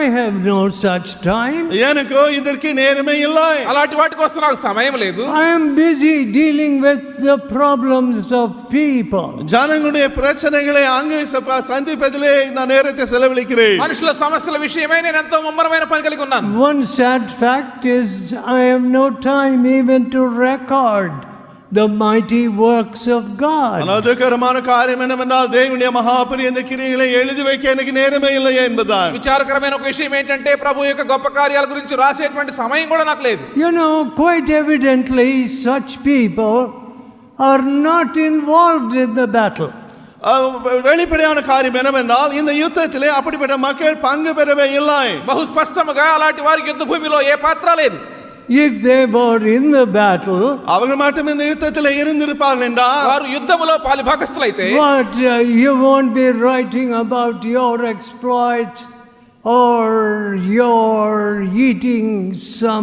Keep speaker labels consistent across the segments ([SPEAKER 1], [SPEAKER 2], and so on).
[SPEAKER 1] have no such time.
[SPEAKER 2] எனக்கோ இதற்கு நேரமே இல்லை.
[SPEAKER 3] అలాంటి వాటి కోసం నాకు సమయం లేదు.
[SPEAKER 1] I am busy dealing with the problems of people.
[SPEAKER 2] జనங்களுடைய ప్రశ్నகளை அங்கே சந்திப்பதிலே நான் நேரத்தை செலவழிக்கிறேன்.
[SPEAKER 3] మనుషుల సమస్యల విషయమై నేను ఎంతో ముమ్మరమైన పని కలిగి ఉన్నాను.
[SPEAKER 1] One sad fact is I have no time even to record the mighty works of God.
[SPEAKER 2] அனதுகரமான காரியம் என்னவென்றால் தேவனுடைய மகாபெரிய கிரியைகளை எழுதி வைக்க எனக்கு நேரமே இல்லை என்பதுதான்.
[SPEAKER 3] విచారకరమైన ఒక విషయం ఏంటంటే ప్రభు యొక్క గొప్ప కార్యాల గురించి రాసేటువంటి సమయం కూడా నాకు లేదు.
[SPEAKER 1] You know, quite evidently such people are not involved in the battle.
[SPEAKER 2] வெளிப்படையான காரியம் என்னவென்றால் இந்த யுத்தத்திலே அப்படிப்பட்ட மக்கள் பங்கு பெறவே இல்லை.
[SPEAKER 3] బహు స్పష్టంగా అలాంటి వారికి యుద్ధ భూమిలో ఏ పాత్ర లేదు.
[SPEAKER 1] If they were in the battle,
[SPEAKER 2] அவர்கள் மட்டும் இந்த யுத்தத்திலே இருந்திருப்பார்கள் என்றால்
[SPEAKER 3] వారు యుద్ధములో పాలుభాగస్తులైతే
[SPEAKER 1] but you won't be writing about your exploits or your eating some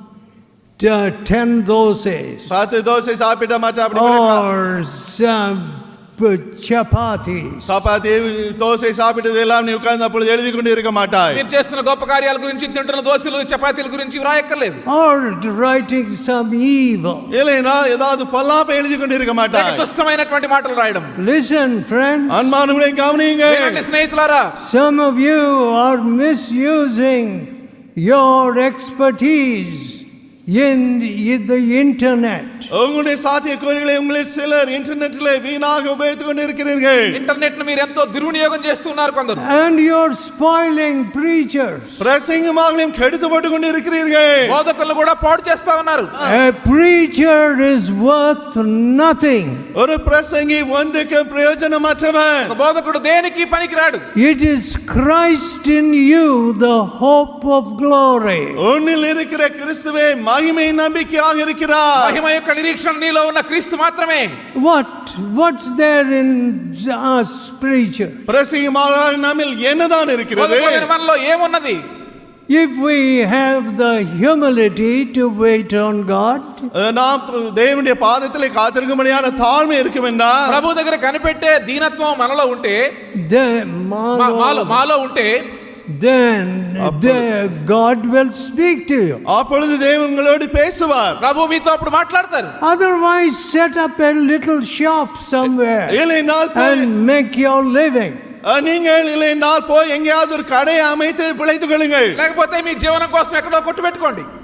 [SPEAKER 1] 10 doses
[SPEAKER 2] 10 dosa சாப்பிட்ட மாட்டா அப்படி
[SPEAKER 1] or some chapatis.
[SPEAKER 2] Chapati dosa சாப்பிட்டது எல்லாம் நீ உட்கார்ந்து அப்பொழுது எழுதி கொண்டு இருக்க மாட்டாய்.
[SPEAKER 3] మీరు చేస్తున్న గొప్ప కార్యాల గురించి తింటున్న దోశలు చపాతీల గురించి వ్రాయక్కర్లేదు.
[SPEAKER 1] Or writing some evil.
[SPEAKER 2] இல்லைனா ஏதாவது பொல்லாப்ப எழுதி கொண்டு இருக்க மாட்டாய்.
[SPEAKER 3] దుష్టమైనటువంటి మాటలు రాయడం.
[SPEAKER 1] Listen friends.
[SPEAKER 2] அன்பானவர்களே கவனியுங்க.
[SPEAKER 3] వినండి స్నేహితులారా.
[SPEAKER 1] Some of you are misusing your expertise in the internet.
[SPEAKER 2] உங்களுடைய சாத்தியக்கூறுகளை உங்களில் சிலர் இன்டர்நெட்டிலே வீணாக உபயோகித்துக் கொண்டிருக்கிறீர்கள்.
[SPEAKER 3] ఇంటర్నెట్ ను మీరు ఎంతో దుర్వినియోగం చేస్తున్నారు కొందరు.
[SPEAKER 1] And you're spoiling preachers.
[SPEAKER 2] பிரசங்கமாகலையும் கெடுத்து போட்டு கொண்டிருக்கிறீர்கள்.
[SPEAKER 3] బోధకులను కూడా పాడు చేస్తా ఉన్నారు.
[SPEAKER 1] A preacher is worth nothing.
[SPEAKER 2] ஒரு பிரசங்கி ஒன்றுக்கு பிரயோஜனமற்றவன்.
[SPEAKER 3] బోధకుడు దేనికి పనికిరాడు.
[SPEAKER 1] It is Christ in you, the hope of glory.
[SPEAKER 2] உன்னில் இருக்கிற கிறிஸ்துவே மகிமை நம்பிக்கையாக இருக்கிறார்.
[SPEAKER 3] మహిమ యొక్క నిరీక్షణ నీలో ఉన్న క్రీస్తు మాత్రమే.
[SPEAKER 1] What's there in us preacher?
[SPEAKER 2] பிரசங்கமாக நம்மில் என்னதான் இருக்கிறது?
[SPEAKER 3] మనలో ఏమున్నది?
[SPEAKER 1] If we have the humility to wait on God,
[SPEAKER 2] நாம் தேவனுடைய பாதத்திலே காத்திருக்கும்படியான தாழ்மை இருக்கும் என்றால்
[SPEAKER 3] ప్రభు దగ్గర కనిపెట్టే దీనత్వం మనలో ఉంటే మాలో ఉంటే
[SPEAKER 1] then God will speak to you.
[SPEAKER 2] அப்பொழுது தேவன் உங்களோடு பேசுவார்.
[SPEAKER 3] ప్రభు మీతో అప్పుడు మాట్లాడతారు.
[SPEAKER 1] Otherwise set up a little shop somewhere and make your living.
[SPEAKER 2] நீங்கள் இல்லைனால் போய் எங்கேயாவது ஒரு கடையை அமைத்து பிழைத்துக் கொள்ளுங்கள்.
[SPEAKER 3] లేకపోతే మీ జీవనం కోసం ఎక్కడో కొట్టు పెట్టుకోండి.